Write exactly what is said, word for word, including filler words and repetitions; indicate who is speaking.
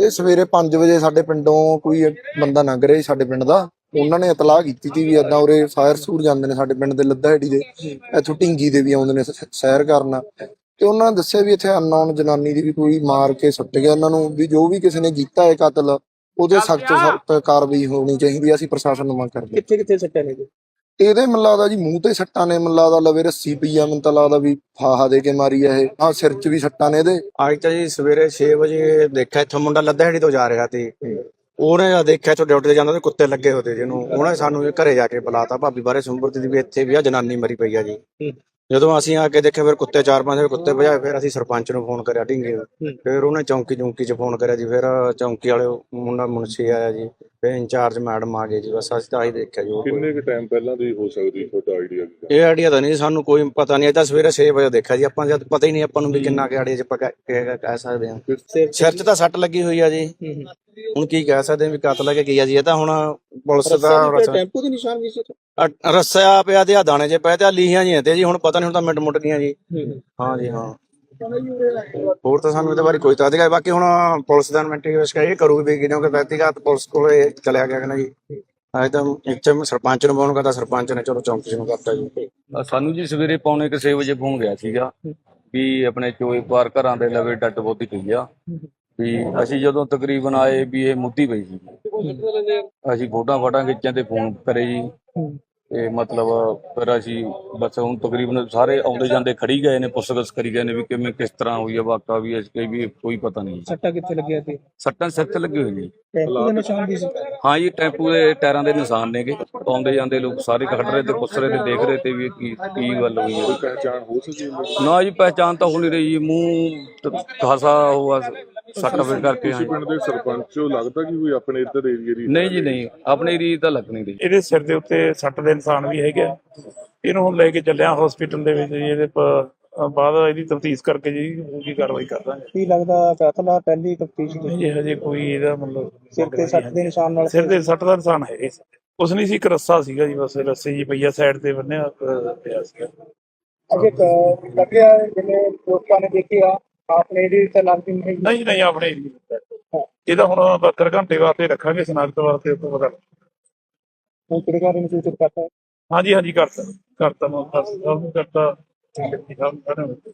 Speaker 1: ਇਹ ਸਵੇਰੇ ਪੰਜ ਵਜੇ ਸਾਡੇ ਪਿੰਡੋਂ ਕੋਈ ਬੰਦਾ ਲੰਘ ਰਿਹਾ ਸੀ ਸਾਡੇ ਪਿੰਡ ਦਾ। ਉਹਨਾਂ ਨੇ ਇਤਲਾਹ ਕੀਤੀ ਸੀ ਵੀ ਏਦਾਂ ਉਰੇ ਫਾਇਰ ਸੂਰ ਜਾਂਦੇ ਨੇ ਸਾਡੇ ਪਿੰਡ ਦੇ ਲੱਦਾਹੇੜੀ ਦੇ, ਇੱਥੋਂ ਢਿੰਗੀ ਦੇ ਵੀ ਆਉਂਦੇ ਨੇ ਸ- ਸੈਰ ਕਰਨ। ਤੇ ਉਹਨਾਂ ਨੇ ਦੱਸਿਆ ਵੀ ਇੱਥੇ ਅਨਨੋਨ ਜਨਾਨੀ ਦੀ ਵੀ ਕੋਈ ਮਾਰ ਕੇ ਸੁੱਟ ਗਿਆ ਉਹਨਾਂ ਨੂੰ, ਵੀ ਜੋ ਵੀ ਕਿਸੇ ਨੇ ਕੀਤਾ ਹੈ ਕਤਲ ਉਹਦੇ ਸਖਤ ਸਖਤ ਕਾਰਵਾਈ ਹੋਣੀ ਚਾਹੀਦੀ ਹੈ। ਅਸੀਂ ਪ੍ਰਸ਼ਾਸਨ ਨੂੰ ਮੰਗ ਕਰਦੇ ਹਾਂ।
Speaker 2: ਕਿੱਥੇ ਕਿੱਥੇ ਸੱਟਾਂ ਨੇ ਜੀ?
Speaker 1: ਇਹਦੇ ਮੈਨੂੰ ਲੱਗਦਾ ਜੀ ਮੂੰਹ ਤੇ ਸੱਟਾਂ ਨੇ, ਮੈਨੂੰ ਲੱਗਦਾ ਲਵੇ ਰੱਸੀ ਪਈ ਆ, ਮੈਨੂੰ ਤਾਂ ਲੱਗਦਾ ਵੀ ਫਾਹਾ ਦੇ ਕੇ ਮਾਰੀ ਆ ਇਹ। ਹਾਂ ਸਿਰ 'ਚ ਵੀ ਸੱਟਾਂ ਨੇ ਇਹਦੇ।
Speaker 3: ਅੱਜ ਤਾਂ ਜੀ ਸਵੇਰੇ ਛੇ ਵਜੇ ਦੇਖਿਆ ਇੱਥੋਂ ਮੁੰਡਾ ਲੱਦਾਹੇੜੀ ਤੋਂ ਜਾ ਰਿਹਾ ਤੇ ਉਹਨੇ ਜਦ ਦੇਖਿਆ ਇੱਥੋਂ ਡਿਊਟੀ ਤੇ ਜਾਂਦਾ ਤੇ ਕੁੱਤੇ ਲੱਗੇ ਹੋਏ ਤੇ ਜਿਹਨੂੰ ਉਹਨੇ ਸਾਨੂੰ ਘਰੇ ਜਾ ਕੇ ਬੁਲਾਤਾ, ਭਾਬੀ ਬਾਰੇ ਸੁੰਬਰਤੀ ਦੀ ਵੀ ਇੱਥੇ ਵੀ ਆ ਜਨਾਨੀ ਮਰੀ ਪਈ ਆ ਜੀ। ਜਦੋਂ ਅਸੀਂ ਆ ਕੇ ਦੇਖਿਆ ਫਿਰ ਕੁੱਤੇ ਚਾਰ ਪੰਜ ਕੁੱਤੇ ਭਜਾਏ, ਫਿਰ ਅਸੀਂ ਸਰਪੰਚ ਨੂੰ ਫੋਨ ਕਰਿਆ ਢਿੰਗੇ ਨੂੰ, ਫਿਰ ਉਹਨੇ ਚੌਂਕੀ ਚੌਂਕੀ 'ਚ ਫੋਨ ਕਰਿਆ ਜੀ। ਫਿਰ ਚੌਂਕੀ ਵਾਲੇ ਮੁੰਡਾ ਮੁਨਸ਼ੀ ਆਇਆ ਜੀ, ਫਿਰ ਇੰਚਾਰਜ ਮੈਡਮ ਆ ਗਏ ਜੀ। ਬਸ ਅਸੀਂ ਤਾਂ ਆਹੀ ਦੇਖਿਆ ਜੀ।
Speaker 4: ਕਿੰਨੇ ਕੁ ਟਾਈਮ ਪਹਿਲਾਂ ਦੀ ਹੋ ਸਕਦੀ ਤੁਹਾਡਾ ਆਈਡੀਆ?
Speaker 3: ਇਹ ਆਈਡੀਆ ਤਾਂ ਨਹੀਂ ਸਾਨੂੰ ਕੋਈ ਪਤਾ ਨਹੀਂ, ਇਹ ਤਾਂ ਸਵੇਰੇ ਛੇ ਵਜੇ ਦੇਖਿਆ ਜੀ ਆਪਾਂ, ਜਦ ਪਤਾ ਹੀ ਨਹੀਂ ਆਪਾਂ ਨੂੰ ਵੀ ਕਿੰਨਾ ਕਿ ਆਈਡੀਆ 'ਚ ਆਪਾਂ ਕਹਿ ਕਹਿ ਸਕਦੇ ਹਾਂ। ਸਿਰ 'ਚ ਤਾਂ ਸੱਟ ਲੱਗੀ ਹੋਈ ਆ ਜੀ, ਹੁਣ ਕੀ ਕਹਿ ਸਕਦੇ ਹਾਂ ਵੀ ਕਤਲ ਹੈ ਕਿ ਕੀ ਆ ਜੀ। ਇਹ ਤਾਂ ਹੁਣ ਪੁਲਿਸ ਦਾ
Speaker 2: ਟੈਂਪੂ ਦੇ ਨਿਸ਼ਾਨ ਵੀ ਸੀ?
Speaker 3: ਅ- ਰੱਸਿਆ ਪਿਆ ਤੇ ਆ ਦਾਣੇ ਜੇ ਪਏ ਤੇ ਆ ਲੀਹਾਂ ਜੀ ਤੇ ਜੀ, ਹੁਣ ਪਤਾ ਨਹੀਂ ਹੁਣ ਤਾਂ ਮਿੰਟ ਮੁੱਟ ਗਈਆਂ ਜੀ। ਹਾਂ ਜੀ ਹਾਂ, ਹੋਰ ਤਾਂ ਸਾਨੂੰ ਇਹਦੇ ਬਾਰੇ ਕੋਈ ਤਾਂ ਅਧਿਕਾਰ। ਬਾਕੀ ਹੁਣ ਪੁਲਿਸ ਦਾ ਇਨਵੈਸਟੀਗੇਸ਼ਨ ਕਰੂਗੀ ਵੀ ਕਿਉਂਕਿ ਵਿਅਕਤੀਗਤ ਪੁਲਿਸ ਕੋਲੇ ਚਲਿਆ ਗਿਆ ਕਹਿੰਦਾ ਜੀ। ਅਜੇ ਤਾਂ ਇੱਥੇ ਸਰਪੰਚ ਨੂੰ ਫੋਨ ਕਰਦਾ, ਸਰਪੰਚ ਨੇ ਚਲੋ ਚੌਂਕੀ ਨੂੰ ਕਰਤਾ ਜੀ।
Speaker 5: ਸਾਨੂੰ ਜੀ ਸਵੇਰੇ ਪੌਣੇ ਕੁ ਛੇ ਵਜੇ ਫੋਨ ਗਿਆ ਸੀਗਾ ਵੀ ਆਪਣੇ ਚੋਏ ਪਾਰ ਘਰਾਂ ਦੇ ਲਵੇ ਡੱਡ ਬੋਦੀ ਪਈ ਆ। ਵੀ ਅਸੀਂ ਜਦੋਂ ਤਕਰੀਬਨ ਆਏ ਵੀ ਇਹ ਮੁੱਦੀ ਪਈ ਸੀ। ਅਸੀਂ ਫੋਟੋਆਂ ਫਾਟਾਂ ਖਿੱਚਾਂ ਤੇ ਫੋਨ ਕਰੇ ਜੀ। ਤੇ ਮਤਲਬ ਫਿਰ ਅਸੀਂ ਬਸ ਹੁਣ ਤਕਰੀਬਨ ਸਾਰੇ ਆਉਂਦੇ ਜਾਂਦੇ ਖੜੀ ਗਏ ਨੇ, ਪੁੱਛਗਿੱਛ ਕਰੀ ਗਏ ਨੇ ਵੀ ਕਿਵੇਂ ਕਿਸ ਤਰ੍ਹਾਂ ਹੋਈ ਆ ਵਾਕਾ, ਵੀ ਅਸੀਂ ਵੀ ਕੋਈ ਪਤਾ ਨਹੀਂ।
Speaker 2: ਸੱਟਾਂ ਕਿੱਥੇ ਲੱਗੀਆਂ ਸੀ?
Speaker 5: ਸੱਟਾਂ ਸਿਰ ਤੇ ਲੱਗੀ ਹੋਈ ਜੀ।
Speaker 2: ਟੈਂਪੂ ਦੇ ਨਿਸ਼ਾਨ ਵੀ ਸੀ?
Speaker 5: ਹਾਂ ਜੀ, ਟੈਂਪੂ ਦੇ ਟਾਇਰਾਂ ਦੇ ਨਿਸ਼ਾਨ ਨੇਗੇ। ਆਉਂਦੇ ਜਾਂਦੇ ਲੋਕ ਸਾਰੇ ਖੜ ਰਹੇ ਤੇ ਪੁੱਛ ਰਹੇ ਤੇ ਦੇਖ ਰਹੇ ਤੇ ਵੀ ਕੀ ਕੀ ਗੱਲ ਹੋਈ ਹੈ।
Speaker 4: ਪਹਿਚਾਣ ਹੋ ਸਕੀ?
Speaker 5: ਨਾ ਜੀ ਪਹਿਚਾਣ ਤਾਂ ਹੋ ਨਹੀਂ ਰਹੀ ਜੀ, ਮੂੰਹ ਖਾਸਾ ਹੋਆ ਸੱਟ ਵੇ ਕਰਕੇ।
Speaker 4: ਤੁਸੀਂ ਪਿੰਡ ਦੇ ਸਰਪੰਚ ਹੋ, ਲੱਗਦਾ ਕਿ ਕੋਈ ਆਪਣੇ ਇੱਧਰ ਏਰੀਏ ਦੀ?
Speaker 5: ਨਹੀਂ ਜੀ ਨਹੀਂ, ਆਪਣੀ ਰੀਤ ਤਾਂ ਲੱਗ ਨਹੀਂ ਰਹੀ।
Speaker 6: ਇਹਦੇ ਸਿਰ ਦੇ ਉੱਤੇ ਸੱਟ ਦੇ ਨਿਸ਼ਾਨ ਵੀ ਹੈਗੇ ਆ। ਇਹਨੂੰ ਹੁਣ ਲੈ ਕੇ ਚੱਲਿਆ ਹਸਪੀਟਲ ਦੇ ਵਿੱਚ ਜੀ। ਇਹਦੇ ਪ- ਬਾਅਦ ਇਹਦੀ ਤਫਤੀਸ਼ ਕਰਕੇ ਜੀ ਕੀ ਕਾਰਵਾਈ ਕਰਦਾਂਗੇ।
Speaker 2: ਕੀ ਲੱਗਦਾ ਕਤਲ ਆ? ਪਹਿਲੀ ਤਫਤੀਸ਼ ਦੀ
Speaker 6: ਜੀ ਹਜੇ ਕੋਈ ਇਹਦਾ ਮਤਲਬ
Speaker 2: ਸਿਰ ਤੇ ਸੱਟ ਦੇ ਨਿਸ਼ਾਨ ਨਾਲ?
Speaker 6: ਸਿਰ ਦੇ ਸੱਟ ਦਾ ਨਿਸ਼ਾਨ ਹੈਗੇ ਸੀ। ਕੁਛ ਨਹੀਂ ਸੀ, ਇੱਕ ਰੱਸਾ ਸੀਗਾ ਜੀ, ਬਸ ਰੱਸੇ ਜੀ ਪਈਆ ਸਾਈਡ ਤੇ ਬੰਨਿਆ ਅਹ, ਪਿਆ ਸੀਗਾ।
Speaker 2: ਅਜੇ ਲੱਗਿਆ ਜਿਵੇਂ ਲੋਕਾਂ ਨੇ ਦੇਖਿਆ ਆਪਨੇ ਇਹਦੀ ਤਾਂ ਲੱਗਦੀ ਨਹੀਂ?
Speaker 6: ਨਹੀਂ ਨਹੀਂ, ਆਪਣੇ ਏਰੀਏ ਦਾ। ਇਹਦਾ ਹੁਣ ਬਹੱਤਰ ਘੰਟੇ ਵਾਸਤੇ ਰੱਖਾਂਗੇ ਸਨਾਖਤ ਵਾਸਤੇ, ਉਸ ਤੋਂ ਪਤਾ
Speaker 2: ਹੁਣ ਕਿਹੜੇ ਘਰ ਨੂੰ ਸੂਚਿਤ ਕਰਤਾ?
Speaker 6: ਹਾਂਜੀ ਹਾਂਜੀ ਕਰਤਾ ਕਰਤਾ ਮੈਂ ਕਰਤਾ।